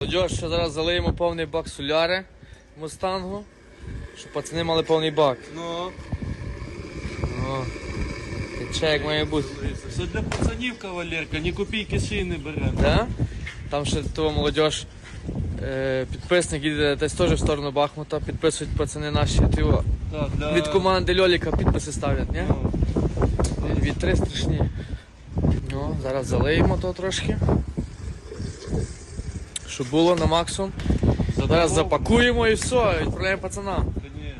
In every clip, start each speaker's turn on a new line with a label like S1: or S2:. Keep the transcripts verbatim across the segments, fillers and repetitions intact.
S1: Молодь, що зараз залиємо повний бак соляри мустангу, щоб пацани мали повний бак.
S2: Ну,
S1: О, тече як має бути.
S2: все для пацанів, кавалерка, ні копійки шиї не беремо.
S1: Да? Там ще того молодь, е, підписник їде десь теж в сторону Бахмута, підписують пацани наші тиво.
S2: Так, для...
S1: Від команди Льоліка підписи ставлять, ні?
S2: Ну,
S1: Вітри страшні. Ну, зараз залиємо то трошки. Щоб було на максимум. Зараз запакуємо і все, відправляємо пацанам.
S2: та ні.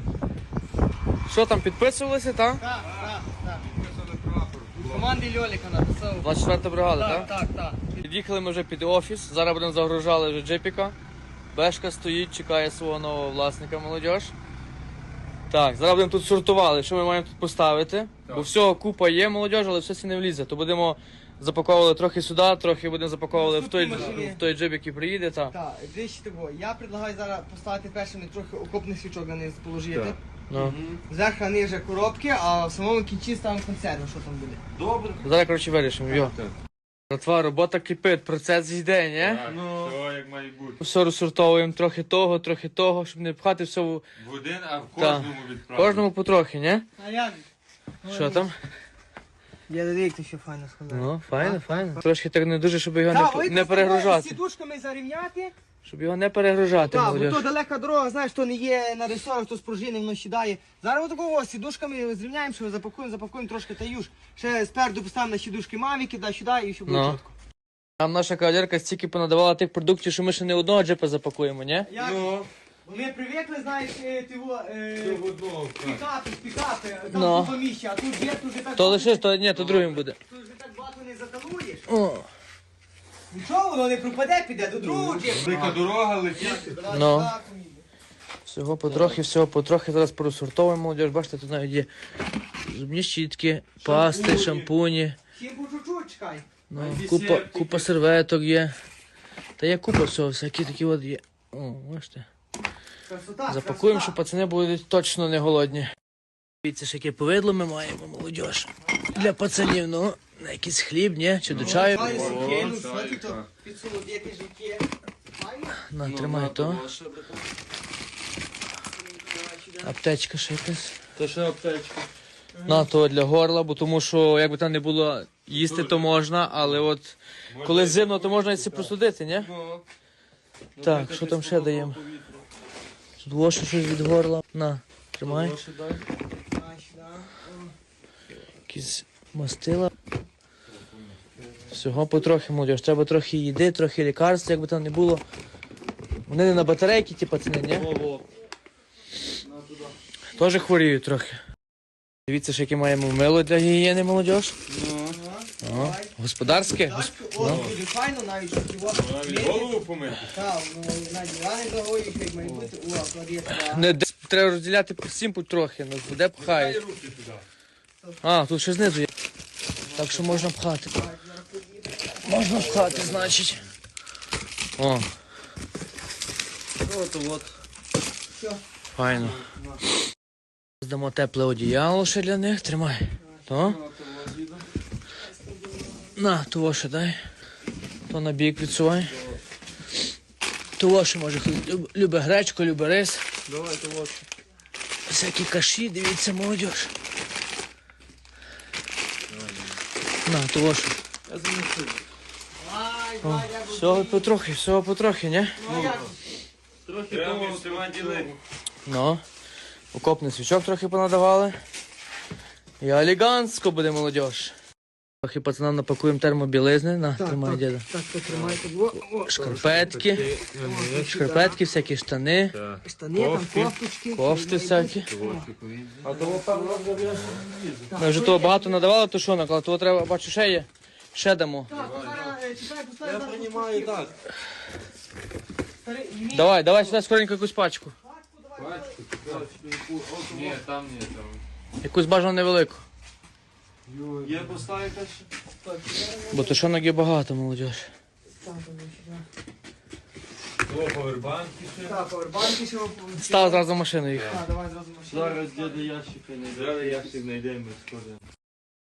S1: Що там, підписувалися, так?
S3: Так, так, так. Від команди Льоліка написав.
S1: двадцять четверта бригада,
S3: Так,
S1: так?
S3: так, так.
S1: Під'їхали ми вже під офіс, зараз будемо загружали вже джипіка. Бешка стоїть, чекає свого нового власника, молодь. Так, зараз будемо тут сортували, що ми маємо тут поставити. Бо всього купа є, молодь, але все це не влізе. То будемо запаковували трохи сюди, трохи будемо запаковували в той,
S3: Наступні
S1: в той джип, який приїде. Так.
S3: Так, дивіться того. Я предлагаю зараз поставити першими трохи окопних свічок на низ положити.
S2: Так.
S1: Ну.
S3: Зверху ниже коробки, а в самому кінці ставимо консерву, що там буде.
S2: Добре.
S1: Зараз, коротше, вирішимо. Йо.
S2: Так.
S1: Братва, робота кипить, процес йде, ні?
S2: Так,
S3: Ну.
S2: все як має бути.
S1: Все розсортовуємо, трохи того, трохи того, щоб не пхати все в
S2: В один, а в
S1: Так.
S2: кожному відправити.
S1: кожному потрохи, ні?
S3: А як?
S1: Що там?
S3: Я дивік, то ще файно складає.
S1: Ну, файно, файно. Трошки так не дуже, щоб його
S3: Так,
S1: не,
S3: ой,
S1: не
S3: то з
S1: перегружати.
S3: сідушками зарівняти.
S1: Щоб його не перегружати,
S3: Так, бо то
S1: молодь.
S3: далека дорога, знаєш, то не є на ресорах, то з пружини воно сідає. Зараз отакого сідушками зрівняємо, що запакуємо, запакуємо трошки та юж. Ще спереду поставимо на сідушки мавіки, да сюди і щоб було
S1: Ну.
S3: чітко.
S1: Нам наша кавалерка стільки понадавала тих продуктів, що ми ще не одного джипа запакуємо, ні?
S3: Як?
S2: Ну,
S3: Бо ми привикли, знаєш, е, тиво, е,
S2: все в одному. так.
S3: пікапи, пікапи, там
S1: Ну.
S3: купа місця, а тут є, тут вже так...
S1: То лише, то ні, то другим буде.
S3: Тут вже так багато не заталуєш.
S1: О,
S3: Нічого, воно не пропаде, піде до другого джипу.
S2: Велика дорога летить.
S3: Давай
S1: Ну.
S3: сюди, поміли.
S1: всього потрохи, всього потрохи. Зараз порозсортовуємо, молодь. Бачите, тут навіть є зубні щітки, пасти,
S2: Шампуні.
S1: шампуні.
S3: Всім по чуть-чуть, чекай.
S1: Ну,
S2: Навіть
S1: купа,
S2: десертики.
S1: купа серветок є. Та є купа всього, всякі такі от є. О, бачите.
S3: Красота,
S1: Запакуємо,
S3: красота.
S1: щоб пацани були точно не голодні. Дивіться, ж яке повидло ми маємо, молодь. Для пацанів, ну, на якийсь хліб, ні? Чи до чаю.
S3: Маю сукену,
S2: О,
S3: що ти
S2: чайка.
S3: то підсолодити життя. Файно?
S1: На,
S2: Ну,
S1: тримай
S2: на,
S1: то.
S2: ваша, братан.
S1: Аптечка ще якась.
S2: Та ще аптечка.
S1: На, то для горла, бо тому що, як би там не було, їсти то можна, але от коли зимно, то можна і це простудити, ні?
S2: Ну.
S1: Так, що там ще даємо? Тут лошу щось від горла. На, тримай.
S2: Гроші дай.
S3: Дай сюди.
S1: Якісь мастила. Всього потрохи, молодь. Треба трохи їди, трохи лікарств, як би там не було. Вони не на батарейки, ті пацани, ні?
S2: Ого. На туди.
S1: Теж хворіють трохи. Дивіться, що яке маємо мило для гігієни, молодь.
S2: Ну.
S1: О, господарське. Гос-
S3: О, дуже файно, навіть що ті вот.
S2: Навіть голову помити.
S3: Так, ну, на дивани загоїш, як має бути. О, клади туди.
S1: Не, де- треба розділяти по всім потрохи, ну де
S2: Дай
S1: пхають.
S2: руки туди.
S1: А, тут ще знизу є. Так що можна пхати. Можна пхати, значить. О,
S2: От, от.
S3: Все.
S1: файно. Здамо тепле одіяло ще для них. Тримай. То. На, того ще дай. То на бік відсувай. Того ще може хтось люб- любить гречку, любить рис.
S2: Давайте от.
S1: Всякі каші, дивіться, молодь. На, того ще.
S2: Я занесу.
S3: Ай,
S1: О,
S3: ай, я
S1: всього потрохи, всього потрохи, ні?
S3: Ну, як?
S2: Трохи того всіма ділить.
S1: Ну, окопний свічок трохи понадавали. І елегантсько буде молодь. Трохи пацанам напакуємо термобілизни. На,
S3: Так,
S1: тримай,
S3: так,
S1: діда.
S3: Так, потримайте. О, о,
S1: Шкарпетки, шкарпетки, всякі штани,
S3: штани, там
S2: Кофти.
S3: кофточки.
S1: кофти всякі.
S2: А того певно вже
S1: Ми вже того багато надавали, то що наклад? Того треба, бачу, ще є. Ще дамо.
S3: Так, то зараз, е, чекай, поставь
S2: Я
S3: зараз
S2: приймаю
S3: пустів.
S2: так.
S3: Старий, ні.
S1: Давай, давай сюди скоренько якусь пачку.
S2: Пачку, пачку. Ні, там ні, там.
S1: Якусь бажано невелику.
S2: Є поставити ще?
S3: Так, чекай,
S1: Бо то що ноги багато, молодь.
S3: так, там сюди.
S2: О, повербанки ще.
S3: Так, повербанки ще.
S1: Став зразу в машину їх.
S3: Так, давай зразу машину.
S2: Зараз діда ящика знайдемо. Зараз ящик знайдемо, скоро.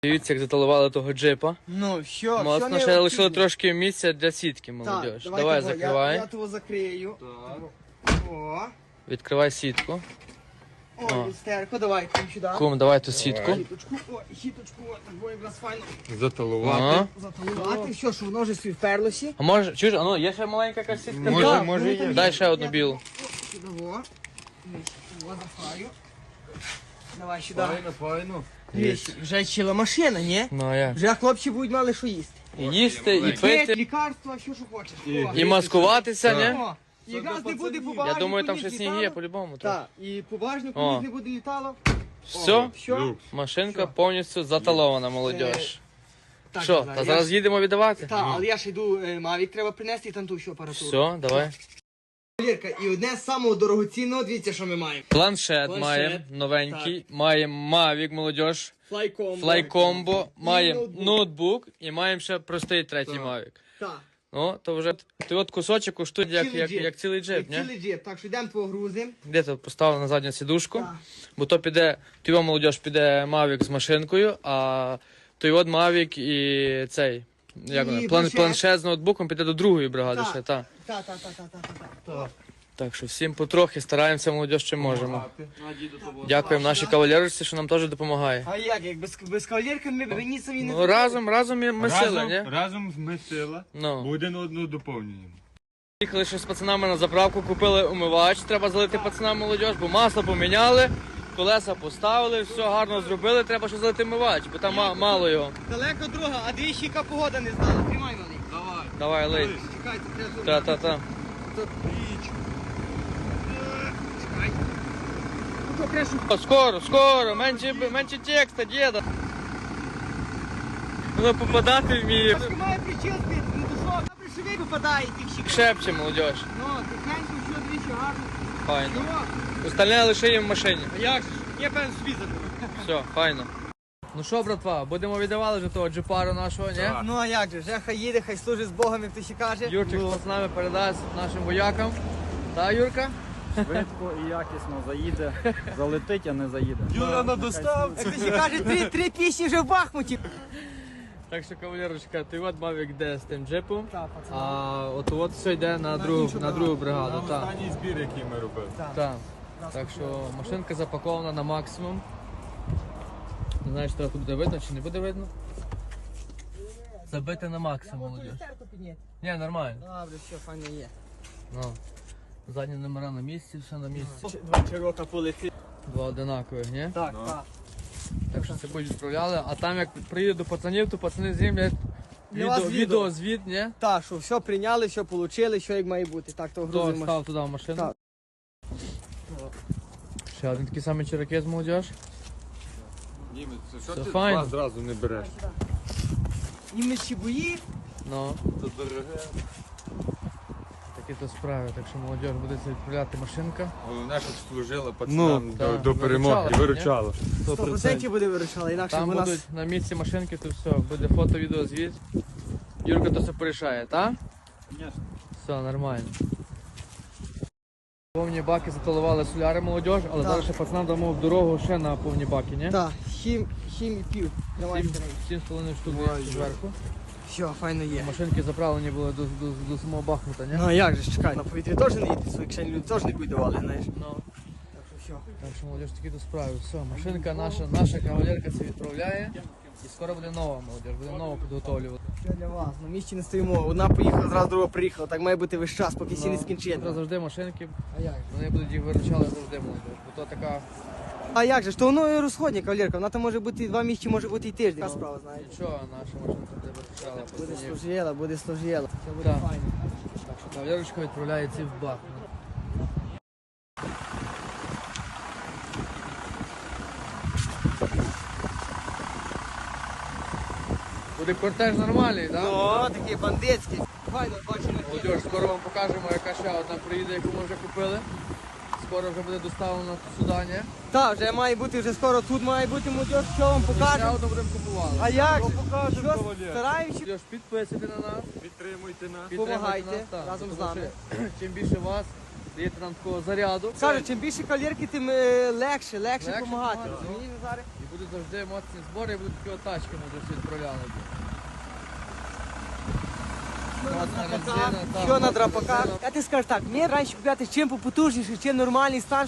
S1: Дивіться, як заталували того джипа.
S3: Ну, що, все
S1: Моцно,
S3: не
S1: ще лишили
S3: обхідне.
S1: трошки місця для сітки,
S3: Так,
S1: молодіж.
S3: давай
S1: Давай,
S3: того,
S1: закривай.
S3: Я, я того закрию. О,
S1: Відкривай сітку.
S3: о,
S1: О.
S3: люстерко, давай, кум сюди.
S1: Кум, давай ту сітку.
S3: Щіточку, о, і щіточку, о, так буде якраз файно
S2: Заталувати.
S1: Ага.
S3: заталувати. Все, що воно вже свій вперлося.
S1: А може, чуєш, а ну, є ще маленька якась сітка?
S2: Може,
S3: Так,
S2: може,
S3: ну,
S2: є.
S3: там
S1: Дай ще одну білу.
S3: Сюди, во. О, запхаю. Давай сюди.
S2: Файно, файно.
S3: Дивись, вже чила машина, ні?
S1: Ну, а як?
S3: Вже хлопці будуть мали що їсти.
S1: І їсти, і
S3: Пити,
S1: пити,
S3: лікарства, що що хочеш.
S2: І-
S3: О,
S1: і маскуватися, ні?
S3: О, і якраз не буде по
S1: Я
S3: багажнику
S1: думаю, там
S3: ніч
S1: ще сніг є
S3: літало.
S1: по-любому. трохи.
S3: Так, і по багажнику
S1: О.
S3: ніч не буде літало.
S1: Все,
S3: Що?
S2: Люкс.
S1: машинка
S3: Все.
S1: повністю заталована, молодіж.
S3: Так,
S1: Що,
S3: Назар,
S1: та
S3: я
S1: зараз
S3: ж-
S1: їдемо віддавати?
S3: Так, але я ще йду, е, Мавік треба принести і там ту всю апаратуру.
S1: Все, давай.
S3: Вірка, і одне з самого дорогоцінного, дивіться, що ми маємо.
S1: Планшет,
S3: Планшет.
S1: маємо новенький, маємо Mavic, молодіж,
S3: Флайкомбо.
S1: Flycombo, маємо
S3: ноутбук.
S1: ноутбук і маємо ще простий третій
S2: Так.
S1: Mavic.
S3: Так.
S1: Ну, то вже ти от кусочок коштує як,
S3: Цілий
S1: як,
S3: джип.
S1: як цілий джип,
S3: Як
S1: ні?
S3: Цілий джип. Так що йдемо твого грузим.
S1: Де ти поставив на задню сідушку?
S3: Так.
S1: Бо то піде, ти його молодіж піде Mavic з машинкою, а той от Mavic і цей, як
S3: І
S1: воно, план,
S3: планшет.
S1: планшет з ноутбуком піде до другої бригади
S3: Так.
S1: ще, так.
S3: Так, так, так, так, так, так. Так.
S1: Так що всім потрохи стараємося, молодіж, чим можемо.
S2: Дякую.
S1: Дякуємо нашій кавалерці, що нам теж допомагає.
S3: А як, як без, без кавалерки ми б ні самі не
S1: Ну, разом, разом ми ми сила,
S2: Разом,
S1: ні?
S2: разом ми сила,
S1: Ну.
S2: бо один одного доповнюємо.
S1: Їхали ще з пацанами на заправку, купили умивач, треба залити пацанам молодіж, бо масло поміняли, колеса поставили, все гарно зробили, треба ще залити умивач, бо там ма- мало його.
S3: Далеко друга, а двічі яка погода не знала. Тримай, малий.
S2: Давай.
S1: Давай, лей.
S3: Чекайте, треба
S1: Та-та-та.
S3: Тут річку. Чекай. Ну, то крешу.
S1: О, Скоро, скоро, менше, менше текста, діда. Воно попадати вміє.
S3: Трошки має причин збити, ну то що, добре, що ви попадає ті всі.
S1: Шепче молодіж.
S3: Ну, тихенько, все, двічі гарно.
S1: Файно.
S3: Ну,
S1: Остальне лишаємо в машині.
S3: а як же? Я певно собі заберу.
S1: Все, файно. Ну що, братва, будемо віддавали вже того джипару нашого, ні?
S2: Так.
S3: Ну а як же, вже хай їде, хай служить з Богом, як ти ще каже.
S1: Юрчик з пацанами передасть нашим воякам. Та, Юрка?
S4: Швидко і якісно заїде, залетить, а не заїде.
S2: Юра на доставці.
S3: Як ти ще каже, три, три пісні вже в Бахмуті.
S1: Так що, кавалерочка, ти от Mavic йде з тим джипом,
S3: Так, пацани.
S1: а от от все йде на, другу,
S3: іншу
S1: на другу бригаду.
S2: Це
S1: Так,
S2: останній збір, який ми робили.
S1: так. Так що машинка запакована на максимум. Не знаю, чи тебе тут буде видно чи не буде видно. Забити на максимум, молодіж. Ні, нормально.
S3: Добре, все, файно є.
S1: Ну. Задні номера на місці, все на місці.
S3: Два чирока полетить.
S1: Два одинакових, ні?
S3: Так,
S2: Ну.
S3: так.
S1: Так що це будуть відправляли. А там як приїду до пацанів, то пацани знімлять
S3: Для вас
S1: відео,
S3: відео.
S1: відеозвіт, ні?
S3: Так, що все прийняли, все отримали, що як має бути. Так, то
S1: Хто
S3: грузимо.
S1: став туди в машину?
S3: Так.
S1: Ще один такий самий черекес молодіж.
S2: Німець, що
S1: Все
S2: ти
S1: файно.
S2: два зразу не береш?
S3: Німечі бої.
S1: Ну,
S2: Це дороге.
S1: такі то справи. Так що молодіж буде це відправляти машинка.
S2: Головне, щоб служила пацанам
S1: Ну,
S2: до,
S1: так,
S2: до перемоги.
S1: виручала,
S2: І виручала.
S3: сто процентів буде вирішала, інакше
S1: Там
S3: б у нас...
S1: будуть на місці машинки, то все, буде фото, відео, звіт. Юрка то все порішає, так?
S4: Звісно.
S1: Все, нормально. Повні баки заталували соляри молодіж, але
S3: Так.
S1: зараз ще пацанам дамо в дорогу ще на повні баки, ні?
S3: Так, хім, хім і пів. Давай,
S1: Сім,
S3: давай.
S1: сім з половиною штук є зверху.
S3: Все, файно є.
S1: Машинки заправлені були до, до, до самого Бахмута, ні?
S3: Ну а як же, ж, чекай, на повітрі теж не їде, свої кишені люди теж не будуть давали, знаєш.
S1: Ну.
S3: Так що все.
S1: Так що молодіж такі до справи. Все, машинка наша, наша кавалерка це відправляє. І скоро буде нова молодіж, буде нова підготовлювати.
S3: Все для вас, на місці не стоїмо. Одна поїхала, зразу друга приїхала. Так має бути весь час, поки всі не
S1: Це
S3: скінчили.
S1: завжди машинки,
S3: А як же?
S1: вони будуть їх виручали завжди молодіж. Бо то така,
S3: А як же ж, то воно і розходня кавалерка, вона там може бути і два місяці, може бути і тиждень. Така справа, знаєш.
S1: нічого, наша машинка буде виручала
S3: Буде
S1: пацанів.
S3: служила, буде служила. Все буде
S1: Так.
S3: файно.
S1: Так що кавалерочка відправляється в Бахмут. Буде кортеж нормальний, так?
S3: О, такий бандитський. Файно, бачимо.
S1: Молодіж, скоро вам покажемо, яка ще одна приїде, яку ми вже купили. Скоро вже буде доставлено сюди, ні?
S3: Так, вже має бути, вже скоро тут має бути молодь, що вам
S1: Ще
S3: покажемо.
S1: одну будемо купувати.
S3: А як же?
S2: покажемо,
S3: Що,
S2: кавалер.
S3: стараємося?
S1: Молодіж, підписуйте на нас,
S2: Підтримуйте нас.
S1: підтримуйте
S3: Помагайте
S1: нас, так,
S3: разом з
S1: тому
S3: нами.
S1: що Чим більше вас, даєте нам такого заряду.
S3: Кажу, чим більше кавалерки, тим е, легше, легше
S1: Легше
S3: допомагати.
S1: допомагати,
S3: Розумієш, Назаре?
S1: І буде будуть завжди моцні збори, будуть такі отачки, може, всі відправляли. Моцна резина, там,
S3: Що на
S1: моцна
S3: драпаках?
S1: резина.
S3: Я ти скажу так, мені раніше купляти чим попотужніше, чим нормальний стан.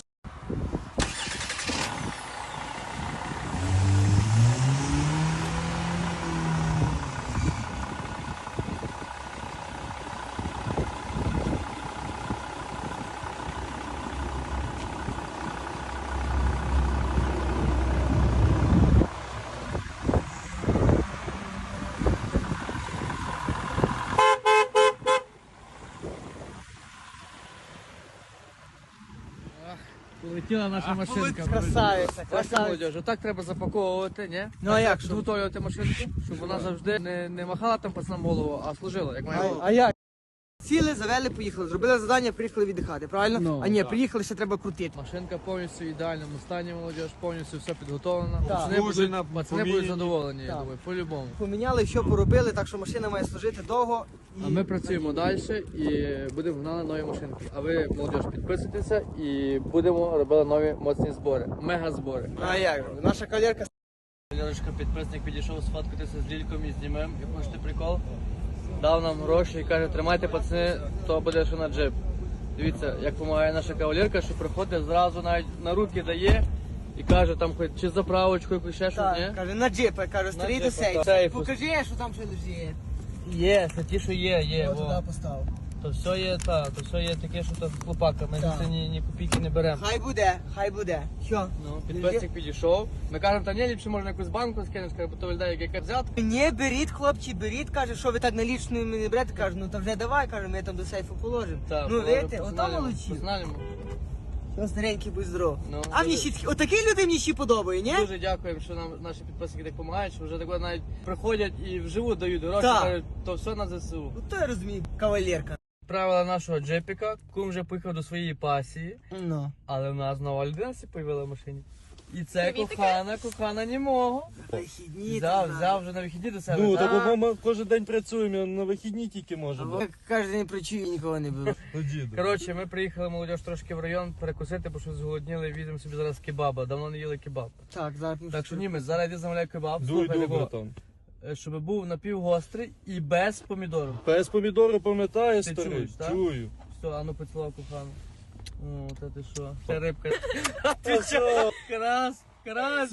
S1: Полетіла наша машинка.
S3: Красавиця,
S1: Бачите,
S3: красавиця.
S1: молодіж, отак треба запаковувати, ні?
S3: Ну, а як?
S1: Підготовлювати машинку, щоб вона завжди не, не махала там пацанам голову, а служила, як має
S3: А,
S1: бути.
S3: а як? Сіли, завели, поїхали. Зробили завдання, приїхали віддихати, правильно?
S1: Ну,
S3: а ні,
S1: так.
S3: приїхали, ще треба крутити.
S1: Машинка повністю в ідеальному стані, молодіж, повністю все підготовлено.
S3: Так.
S1: Пацани будуть,
S2: Служена,
S1: пацани будуть
S2: поміняні.
S1: задоволені, я
S3: Так.
S1: думаю, по-любому.
S3: Поміняли, що поробили, так що машина має служити довго.
S1: А ми працюємо далі і будемо гнали нові машинки. А ви, молодіж, підписуйтеся і будемо робити нові моцні збори. Мега збори.
S3: Ну, а як? Наша кавалерка.
S1: Лерочка, підписник, підійшов сфоткатися з Лільком і знімем, як хочете прикол. Дав нам гроші і каже, тримайте пацани, то буде ще на джип. Дивіться, як допомагає наша кавалерка, що приходить зразу навіть на руки дає і каже там хоч чи заправочку, якусь ще щось,
S3: Так,
S1: ні?
S3: каже, на джипа, каже, старий до
S1: джипа,
S3: сейф.
S1: так. Сейф.
S3: Покажи, що там ще лежить.
S1: Є, це ті, що є, є.
S3: Ось
S1: во.
S3: туди постав.
S1: То все є, та, то все є таке, що то хлопака, ми
S3: Так.
S1: це ні, ні копійки не беремо.
S3: Хай буде, хай буде. Що?
S1: Ну, підписник підійшов. Ми кажемо, та ні, ліпше можна якусь банку скинеш, каже, бо то виглядає як яка взятка.
S3: Не беріть, хлопці, беріть, каже, що ви так налічною не берете, каже, ну то вже давай, каже, ми там до сейфу положимо.
S1: Та,
S3: ну,
S1: положимо,
S3: видите, ото
S1: посигналимо,
S3: молодці.
S1: посигналимо.
S3: Що старенький, будь здоров.
S1: Ну,
S3: а мені
S1: дуже-
S3: ще, отакі люди мені ще подобає, ні?
S1: Дуже дякуємо, що нам наші підписники так допомагають, що вже тако навіть приходять і вживу дають гроші,
S3: Так.
S1: кажуть, то все на ЗСУ.
S3: Ну то я розумію, кавалерка.
S1: Правила нашого джепіка, кум вже поїхав до своєї пасії,
S3: Ну.
S1: але в нас нова людина сі появила в машині. І це кохана, кохана німого.
S3: Вихідні.
S1: Взяв,
S3: ти
S1: взяв вже на вихідні до себе.
S2: Ну,
S1: так?
S2: так бо ми кожен день працюємо, на вихідні тільки
S3: знаєш.
S2: можемо.
S3: Ви Кожен день працюю, нікого не беру.
S2: Ну, діду.
S1: Коротше, ми приїхали молодіж трошки в район перекусити, бо що зголодніли, візьмемо собі зараз кебаба. Давно не їли кебаб.
S3: Так, зараз.
S1: Так що німець, зараз я замовляю кебаб,
S2: Дуй,
S1: слухай,
S2: дуй,
S1: такого,
S2: братан.
S1: е, щоб був напівгострий і без помідорів.
S2: Пес помідори пам'ятає,
S1: Ти
S2: старий?
S1: чуєш, так?
S2: Чую.
S1: Все, а ну поцілував кохану. О, та ти що? Ще рибка.
S2: Ти що?
S1: Крас, крас.